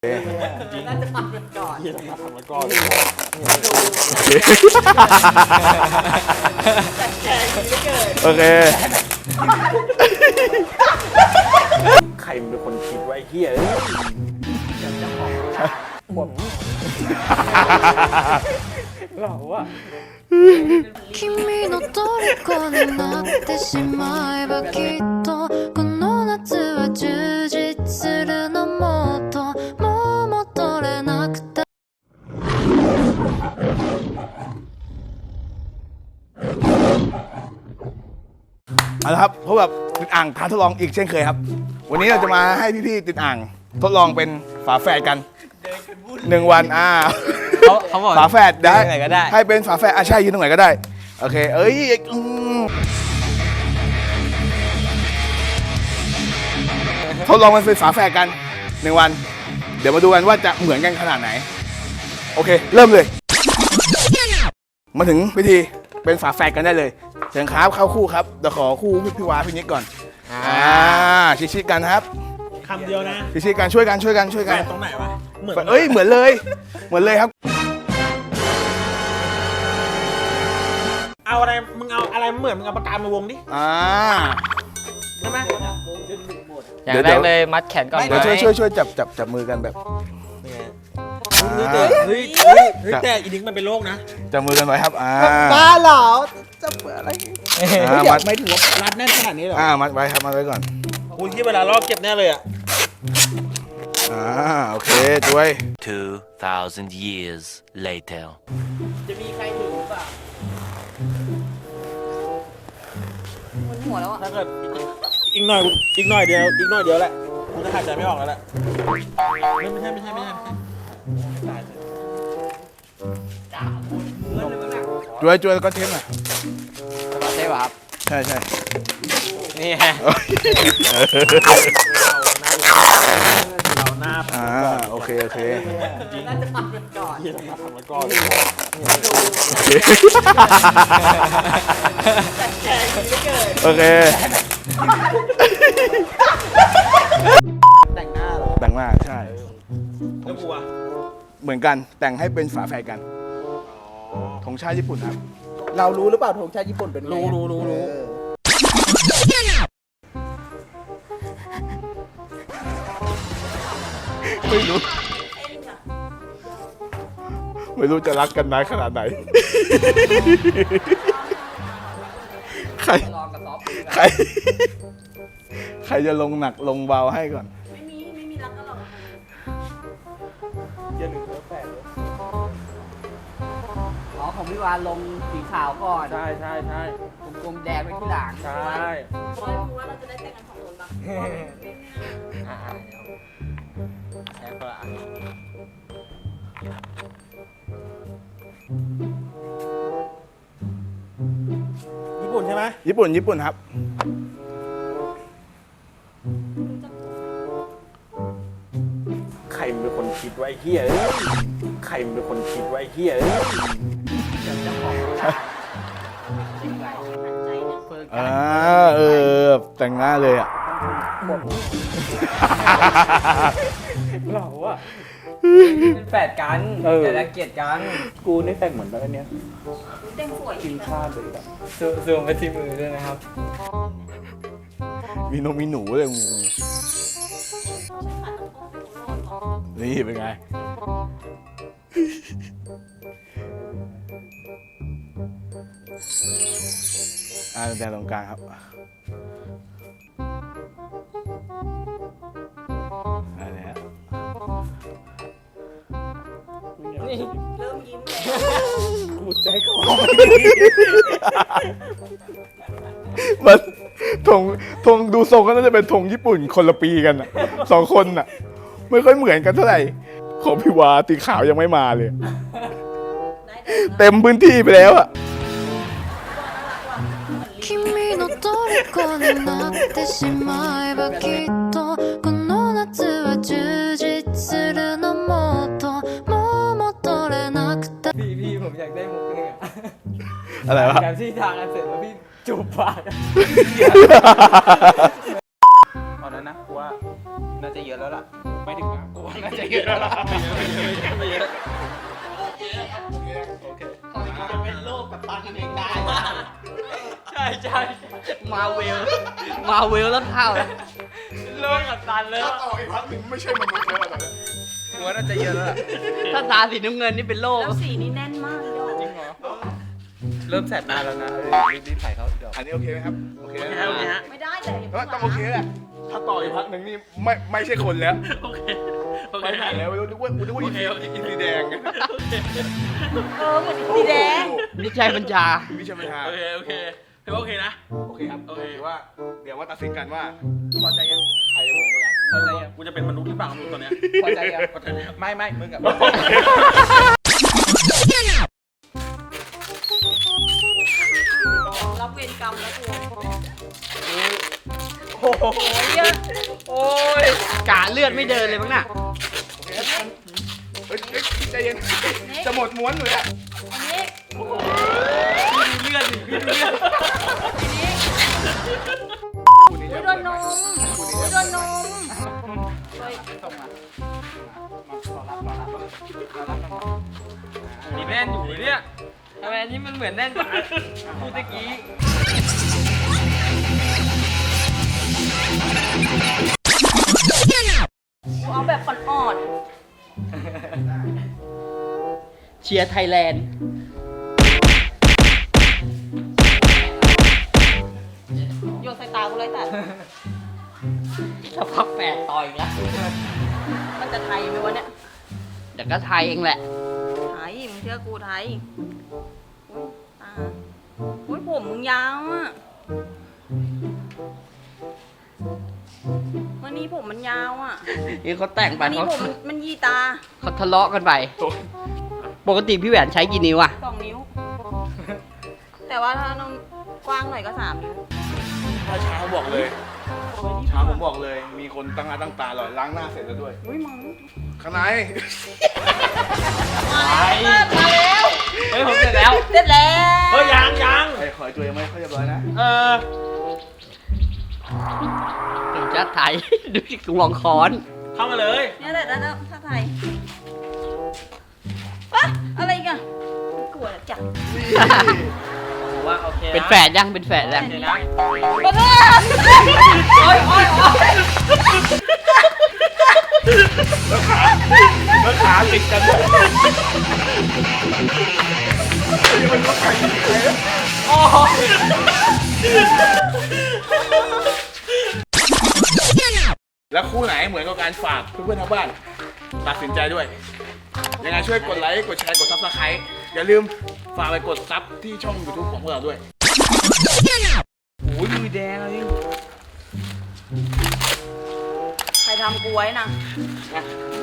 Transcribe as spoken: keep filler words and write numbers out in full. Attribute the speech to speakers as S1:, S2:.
S1: น่าจะทำมันก่อน
S2: ที่เราทำมันก่อน
S1: โอเค
S2: ใครเป็นคนคิดไว้เฮียเราอะ
S3: 君の虜になってしまえばきっとこの夏は充実するのもっともう戻れなくて
S4: เอาละครับพบกับติดอ่างท้าทดลองอีกเช่นเคยครับวันนี้เราจะมาให้พี่ๆติดอ่างทดลองเป็นฝาแฝดกันหนึ่งวันอ่า
S5: เขาเขาบอก
S4: ฝาแฝดได้
S5: ไหนก็ได้
S4: ให้เป็นฝาแฝดอ่ะใช่ยืนตรงไหนก็ได้โอเคเอ้ยอืมทดลองมันเป็นฝาแฝดกันหนึ่งวันเดี๋ยวมาดูกันว่าจะเหมือนกันขนาดไหนโอเคเริ่มเลยมาถึงพิธีเป็นฝาแฝดกันได้เลยเชิญครับเข้าคู่ครับเดี๋ยวขอคู่พี่พี่วาพี่นิกก่อนอ่าชิดๆกันครับ
S2: คำเดียวนะ
S4: ชิดๆกันช่วยกันช่วยกันช่วยกัน
S2: ตรงไหนวะเหมือน
S4: เอ้ยเหมือนเลยเหมือนเลยครับ
S2: เอาอะไรมึงเอาอะไรเหมือนมึงเอาปากกามาวงดิ
S4: อ่า
S2: ได้ไหม
S5: อย่างแรกเลยมัดแขนก่อน
S4: เดี๋ยวช่วยช่วยช่วยจับจับจับมือกันแบบ
S2: เฮ้ยเฮ้ยเฮ้ยเฮ้ยแต่อีนิกมันเป็นโรคนะ
S4: จับมือกันไว้ครับอ่า
S1: บ้าเหรอจะเปิดอะไร
S4: อ่ามัด
S1: ไม่ถือว่ารัดแน่นขนาดนี้เหรอ
S4: อ่ามัดไว้ครับมัดไว้ก่อน
S2: กูที่เวลาลอกเก็บแน่เลยอ่ะ
S4: อ่าโอเคช่วย
S6: Two thousand years later.
S1: จะมีใครถือหรือเปล่ามันหัวแล้วอ่ะ
S2: ถ้าเกิดอีกหน่อยอีกหน่อยเดียวอีกหน่อยเดียวแหละกูจะหายใจไม่ออกแล้วแหละไม่ไม่ใช่ไม่ใช่ไม่ใช่ไม่ใช่ตายเลย
S4: ช่วยช่วยแล้วก็เทปหน่อย
S5: ใช่ป่ะครับ
S4: ใช่ใช่
S5: นี่ฮะ
S2: เราหน้า
S4: อ่าโอเคโอเค
S1: น่าจะทำมันก่อน
S2: ที่เราทำมันก่อน
S4: โอเค
S1: แต่งหน้าเหรอ
S4: แต่งมากใช่
S2: แล้วกูอ่ะ
S4: เหมือนกันแต่งให้เป็นฝาแฝดกันธงชาติญี่ปุ่นครับ
S1: เรารู้หรือเปล่าธงชาติญี่ปุ่นเป็นไง
S2: รู้รู้รู้รู้
S1: เออ
S4: ไม่รู้ไม่รู้จะรักกันนานขนาดไหนใคร
S1: ลองกับซอฟต์
S4: ใคร ใครจะลงหนักลงเบาให้ก่อน
S1: ไม่มีไม่มีรักกันหรอก
S2: เย็นหนึ่งเออแปดเลย
S1: อ๋อของพี่วานลงสีขาวก่อน
S2: ใช่ใช่ใช่
S1: กลมๆแดงไปที่หลัง
S2: ใช่
S1: คอยดูว่าเราจะได้แต่งกันสองคนปะ
S5: อ่าแค่คนละอัน
S2: ญี่ปุ่นใช่ไหม
S4: ญี่ปุ่นญี่ปุ่นครับ
S2: ใครเป็นคนคิดไว้เฮียใครเป็นคนคิดไว้เฮีย
S4: อ่าเออแต่งหน้าเลยอ่ะ
S2: เราอะ
S5: เป็นแฝดกัน
S2: เออ
S5: แต่ละเกียดกัน
S2: กูนี่แต่งเหมือนแบบเนี้ย
S1: แต่งสวย
S2: ทีมชาติเลยแบบ
S5: ซูซูมไปที่มือด้วยนะครับ
S4: มีนมมีหนูเลยงูนี่เป็นไง อ่าแต่ตรงกลางครับอะไรฮะ
S1: เริ่มยิ้มเลย
S2: กูใจคอ
S4: มันธงธงดูทรงก็น่าจะเป็นธงญี่ปุ่นคนละปีกันอ่ะสองคนอ่ะ ไม่ค่อยเหมือนกันเท่าไหร่ของพี่วาตีขาวยังไม่มาเลย เต็มพื้นที่ไปแล้วอ่ะ
S3: 君の虜になってしまえばきっとこの夏は充実するのもっともう戻れなくて
S5: พี่พี่ผมอยากได้มุกนึงอะ
S4: อะไรวะ
S5: แบบที่ทางกันเสร็จแล้วพี่จูบปาก
S2: ตอนนั้นนะกูว่า
S5: น่าจะเยอะแล้วล่ะ
S2: ไม่ถึงนะกูว่าน่าจะเยอะแล้วไม่เยอะ
S4: โอเคครับโอเคโอเค
S1: จะเป็นโรคกับตันกันเองได้
S5: ใช่ใช่
S1: มาเวล มาเวลแล้วเข้าแล้ว
S5: โลกกับตันเลย
S4: ถ้าต่ออีกพักหนึ่งไม่ใช่มนุษย์แล้วตอนนี้หัวน่าจะเยอะแล้วล่ะ
S1: ถ้าตาสีน้ำเงินนี่เป็นโรคแล้วสีนี่แน่นมากยอด
S5: จริงเหรอเริ่มแสบตาแล้วนะรีบๆใส่เขาเดี๋ยว
S4: อันนี้โอเคไหมครับโอเคนะ
S2: โอเคฮะ
S1: ไม่ได้แต่อย่า
S4: เออต้องโอเคแหละถ้าต่ออีกพักหนึ่งนี่ไม่ไม่ใช่คนแล้ว
S2: โอเคโอ
S4: ไป
S2: เค
S4: ไหนแล้วไม่รู้นึกว่านึกว่าอินซีอินซีแดง
S1: เออเหมือนสีแดงนิชัยบัญชา
S4: วิชาปัญหา
S2: โอเคโอเคถือว่าโอเคนะ
S4: โอเคครับ
S2: โอเค
S4: ถือว่าเดี๋ยวว่าตัดสินกันว่า
S5: พอใจยัง
S4: ใครจะเหมือนกัน
S5: พอใจยัง
S2: กูจะเป็นมนุษย์หรือเปล่ามึงตอนเนี้ย
S5: พอใจยัง
S2: พอใจแล้ว
S5: ไม่ไม่มึงกับ
S1: รับเวรกรรมแล้วกู
S5: โอ้โห
S1: โอ้ยเยอะ
S5: โอ้ย
S1: กะเลือดไม่เดินเลยมั้งน่ะ
S4: โอเคครับเฮ้ยเฮ้ยใจเย็นจะหมดม้วนอยู่แล้ว
S1: อันนี้
S5: พี่ดูเลือดดิพี่ดูเลือด
S4: คู่นี้
S1: อุ้
S4: จะ
S1: ยโดนนมอุ้ยโดนนมเฮ้ย
S5: นี่แน่นอยู่เนี่ยทำไมอันนี้มันเหมือนแน่นกว่าที่ตะกี้
S1: กูเอาแบบอ่อนๆเชียร์ไทยแลนด์โยนใส่ตากูเลยแต่ถ้าพักแปดต่อยอีกแล้วมันจะไทยไหมวะเนี่ย
S7: เดี๋ยวก็ไทยเองแหละ
S1: ไทยมึงเชื่อกูไทยอุ้ยตาอุ้ยผมมึงยาวอ่ะวันนี้ผมมันยาวอ่ะ
S7: นี่เขาแต่งไป
S1: วันนี้
S7: เขา
S1: ผมมันมันยีตา
S7: เขาทะเลาะกันไป ปกติพี่แหวนใช้กี่นิ้วอะ
S1: สองนิ้ว แต่ว่าถ้าน้องกว้างหน่อยก็สามนิ้ว
S4: ถ้าเช้าบอกเลยเช้าผมบอกเลย มีคนตั้งหน้าตั้งตาหล่อล้างหน้าเสร็จแล้วด้วย
S1: อุ้ยมัง
S4: ข้างใน
S1: มาแล้วมาแล้ว
S5: เฮ้ยผมเสร็จแล้ว
S1: เสร็จแล้ว
S2: เฮ้ยยังยัง
S4: ไอ้ขอยตัวยังไม่ค่อยเรียบร้อยนะ
S2: เออ
S7: ถึงจะไทย ดูสิกวงค้อน
S2: เข้ามาเลย
S1: เนี่ยแหละแล้วถ้าไทยอะอะไรอีกันกลัวจัง
S5: ผมว่าโอเคนะ
S7: เป็นแฝดยังเป็นแฝดยัง
S5: โอเคนะ
S1: มาเลยโอ้ยโอ้ยโอ้ย
S4: แล้วขาติดกันด้วยนี่มันก็ไก่เลย แล้วคู่ไหนเหมือนกับการฝากเพื่อนๆทางบ้านตัดสินใจด้วย ยังไงช่วยกดไลค์ กดแชร์ กดซับสไครต์อย่าลืมฝากไปกดซับที่ช่อง YouTube ของพวกเราด้วย
S5: โอ้ยมือแดงเลย
S1: ใครทำกูไว้นะ
S5: ม